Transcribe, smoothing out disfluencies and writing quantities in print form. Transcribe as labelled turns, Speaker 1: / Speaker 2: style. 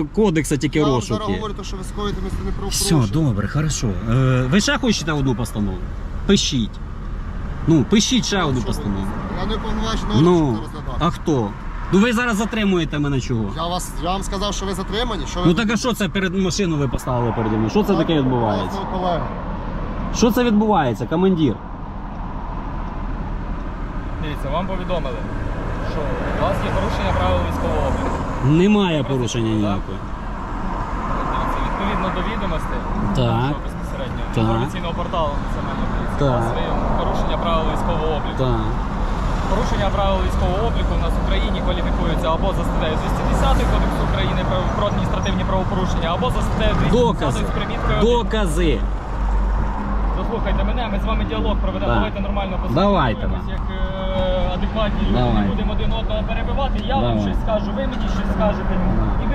Speaker 1: кодексу тільки
Speaker 2: Я вам
Speaker 1: розшук
Speaker 2: зараз
Speaker 1: є.
Speaker 2: говорю, що ви скоїте адміністративне правопорушення.
Speaker 1: Все, добре, хорошо. Ви ще хочете одну постанову? Пишіть. Ну, пишіть ще одну
Speaker 2: Що ви?
Speaker 1: постанову.
Speaker 2: Я не уповноважений
Speaker 1: Ну,
Speaker 2: орган, що це розглядати.
Speaker 1: а хто? Ну ви зараз затримуєте мене чого?
Speaker 2: Я вам сказав, що ви затримані. Що ви
Speaker 1: Ну так а що це перед машину ви поставили переді мною? Що це таке відбувається? Що це відбувається, командир?
Speaker 3: Дивіться, вам повідомили, що у вас є порушення правил військового обліку.
Speaker 1: Немає порушення ніякого.
Speaker 3: Дивіться, відповідно до відомостей
Speaker 1: Так.
Speaker 3: нашого безпосередньо
Speaker 1: Так.
Speaker 3: інформаційного порталу Національної поліції,
Speaker 1: Так.
Speaker 3: у вас є порушення правил військового обліку.
Speaker 1: Так.
Speaker 3: Порушення правил військового обліку у нас в Україні кваліфікується або за статтею 210 Кодексу України про адміністративні правопорушення, або за статтею 210
Speaker 1: Докази.
Speaker 3: з приміткою.
Speaker 1: Докази.
Speaker 3: Дослухайте мене, ми з вами діалог проведемо.
Speaker 1: Так.
Speaker 3: Давайте нормально
Speaker 1: Давайте,
Speaker 3: поспілкуємось, як адекватні люди.
Speaker 1: Давай.
Speaker 3: Не будемо один одного перебивати. Я вам
Speaker 1: Давай.
Speaker 3: щось скажу, ви мені щось скажете. І